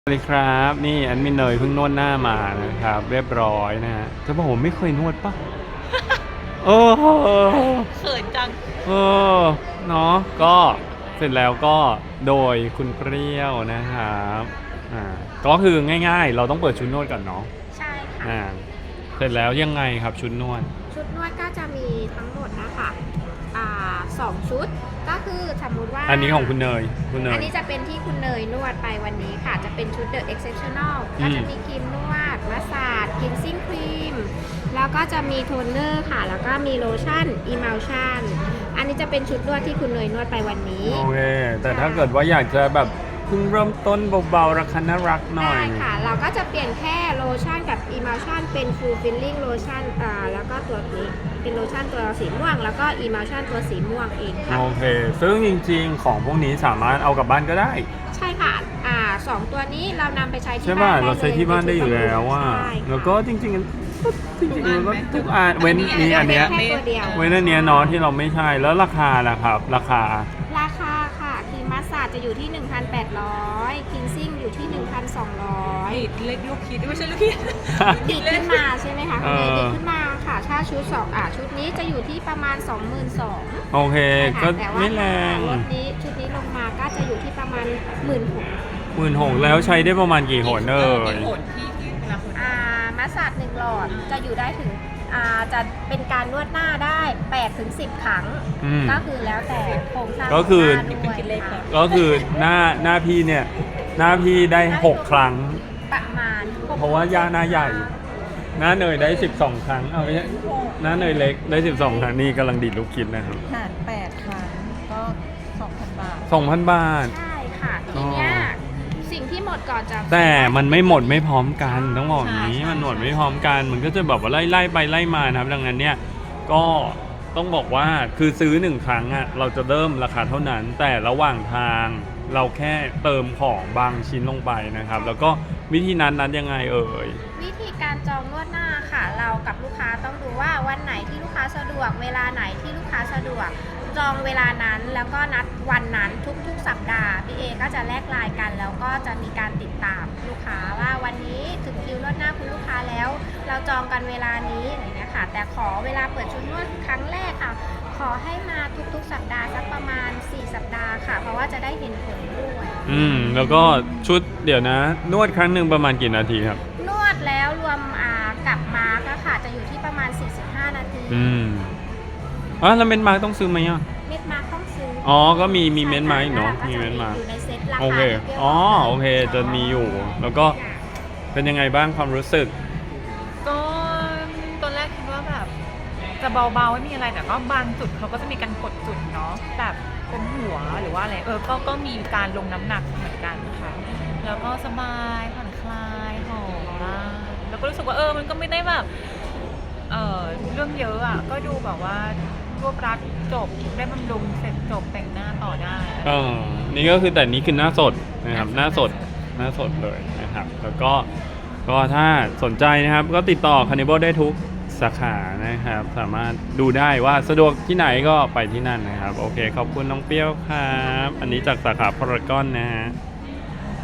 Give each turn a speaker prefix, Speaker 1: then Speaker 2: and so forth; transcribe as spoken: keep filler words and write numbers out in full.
Speaker 1: สวัสดีครับนี่แอดมินเนยเพิ่งนวดหน้ามานะครับเรียบร้อยนะฮะจะบอกผมไม่เคยนวดปะโอ้โห
Speaker 2: เขินจัง
Speaker 1: เออเนาะก็เสร็จแล้วก็โดยคุณเปรี้ยวนะครับอ่าก็คือง่ายๆเราต้องเปิดชุดนวดก่อนเนาะ
Speaker 3: ใช่ค่ะ
Speaker 1: อ่าเสร็จแล้วยังไงครับชุดนวด
Speaker 3: ชุดนวดก็จะมีทั้งหมดนะคะอ่าสองชุดก็คือสมมุติว่า
Speaker 1: อันนี้ของคุณเนยคุณเนย
Speaker 3: อันนี้จะเป็นที่คุณเนยนวดไปวันนี้ค่ะจะเป็นชุด The Exceptional ก็จะมีครีมนวดมัสซาจคลีนซิ่งครีมแล้วก็จะมีโทนเนอร์ค่ะแล้วก็มีโลชั่น Emulsion อันนี้จะเป็นชุดนวดที่คุณเนยนวดไปวันนี้
Speaker 1: โอเคแต่ถ้าเกิดว่าอยากจะแบบเพิ่งเริ่มต้นเบาๆราคาน่ารักหน่อย
Speaker 3: ได้ค่ะเราก็จะเปลี่ยนแค่โลชั่นกับ Emulsion เป็น Full Filling Lotion อ่าแล้วก็ตัวนี้เป็นโลชั่นตัวสีม่วงแล้วก็ Emulsion ตัวสีม่วงเองค่ะ
Speaker 1: โอเคซึ่งจริงๆของพวกนี้สามารถเอากลับบ้านก็ได้
Speaker 3: ใช่ค่ะอ่าสองตัวนี้เรานำไปใช้ที่
Speaker 1: ใช่
Speaker 3: บ้า
Speaker 1: ป่ะ
Speaker 3: นได้เลย
Speaker 1: เราใช้ที่บ้านได้อยู่แล้วว่าแล้วก็จริงๆจริงๆแล้วก็ทุกอันเว้นนี่อันเนี้ย
Speaker 3: แค่ตัวเดียว
Speaker 1: เว้นอันเนี้ยเนาะที่เราไม่ใช่แล้วราคาล่ะครับราคา
Speaker 3: ราคาค่ะครีมมัสซาจจะอยู่ที่ หนึ่งพันแปดร้อยคลีนซิ่งอยู่ที่ หนึ่งพันสองร้อย
Speaker 2: ดิดเล็กลูกคิดไม่ใช่ลูกคิด
Speaker 3: ดีดขึ้นมาใช่ไหมคะคุณเนยดีดขึ้นมาค่ะถ้าชุดสองอ่ะชุดนี้จะอยู่ที่ประมาณ สองหมื่นสองพัน
Speaker 1: โอเคก็ไม่แรง
Speaker 3: รถนี้ชุดนี้ลงมาก็จะอยู่ที่ประมาณ หนึ่งหมื่นหกพัน
Speaker 1: หมื่นหกแล้วใช้ได้ประมาณกี่หนเอ่ย
Speaker 2: หนที่ที่เวลาคน
Speaker 3: อ่ามัสซาจหนึ่งหลอดจะอยู่ได้ถึงอ่าจะเป็นการนวดหน้าได้แปดถึงสิบครั้งก็คือแล้วแต่โครงสร้าง
Speaker 1: ก็คือ
Speaker 3: ด้วย
Speaker 1: ก็คือหน้าหน้าพี่เนี่ยหน้าพี่ได้หกครั้ง
Speaker 3: ประมาณ
Speaker 1: เพราะว่าย่าหน้าใหญ่หน้าเนยได้สิบสองครั้งเอาไปหน้าเนยเล็กได้สิบสองครั้งนี่กำลังดีดลูกคิดนะครับ
Speaker 2: หารแปดครั้งก็สองพันบาท
Speaker 1: สองพันบาท
Speaker 3: ใช่ค่ะทีเนี้ยสิ่งที่หมดก่อนจะ
Speaker 1: แต่มันไม่หมดไม่พร้อมกันต้องบอกอย่างนี้มันหมดไม่พร้อมกันมันก็จะแบบว่าไล่ไล่ไปไล่มานะครับดังนั้นเนี่ยก็ต้องบอกว่าคือซื้อหนึ่งครั้งอ่ะเราจะเริ่มราคาเท่านั้นแต่ระหว่างทางเราแค่เติมของบางชิ้นลงไปนะครับแล้วก็วิธีนั้นนั้นยังไงเอ่ย
Speaker 3: วิธีการจองนวดหน้าค่ะเรากับลูกค้าต้องดูว่าวันไหนที่ลูกค้าสะดวกเวลาไหนที่ลูกค้าสะดวกจองเวลานั้นแล้วก็นัดวันนั้นทุกๆสัปดาห์พี่เอก็จะแลกไลน์กันแล้วก็จะมีการติดตามลูกค้าว่าวันนี้ถึงคิวนวดหน้าคุณลูกค้าแล้วเราจองกันเวลานี้อะไรเงี้ยค่ะแต่ขอเวลาเปิดชุดนวดครั้งแรกค่ะขอให้มาทุกๆสัปดาห์สักประมาณสี่สัปดาห์ค่ะเพราะว่าจะได้เห็นผลด้วย
Speaker 1: อืมแล้วก็ชุดเดี๋ยวนะนวดครั้งหนึ่งประมาณกี่นาทีครับ
Speaker 3: นวดแล้วรวมอ่ากลับมาก็ค่ะจะอยู่ที่ประมาณสี่สิบห้านาที
Speaker 1: อืมอ๋อแล้วเม็ดมาร์กต้องซื้อไหมอ่ะ
Speaker 3: เม็ดมาร์กต้องซื้อ
Speaker 1: อ๋อก็มีมีเม็ดมาร์กเนาะมีเม็ดมาร์ก
Speaker 3: อยู่ในเซ็ตราคา
Speaker 1: โอเคอ๋อโอเคจะมีอยู่แล้วก็เป็นยังไงบ้างความรู้สึก
Speaker 2: ก็ตอนแรกคิดว่าแบบจะเบาๆไม่มีอะไรแต่ก็บางจุดเขาก็จะมีการกดจุดเนาะแบบเป็นหัวหรือว่าอะไรเออก็ก็มีการลงน้ำหนักเหมือนกันค่ะแล้วก็สบายผ่อนคลายหอมมากแล้วก็รู้สึกว่าเออมันก็ไม่ได้แบบเออเรื่องเยอะอ่ะก็ดูแบบว่ารวบรัดจบได้บำรุงเสร็จจบแต่งหน้าต่อได้
Speaker 1: เออนี่ก็คือแต่นี้คือหน้าสดนะครับหน้าสดหน้าสดเลยนะครับแล้วก็ก็ถ้าสนใจนะครับก็ติดต่อ Carnival ได้ทุกสาขานะครับสามารถดูได้ว่าสะดวกที่ไหนก็ไปที่นั่นนะครับโอเคขอบคุณน้องเปรี้ยวครับอันนี้จากสาขาพารากอนนะฮะ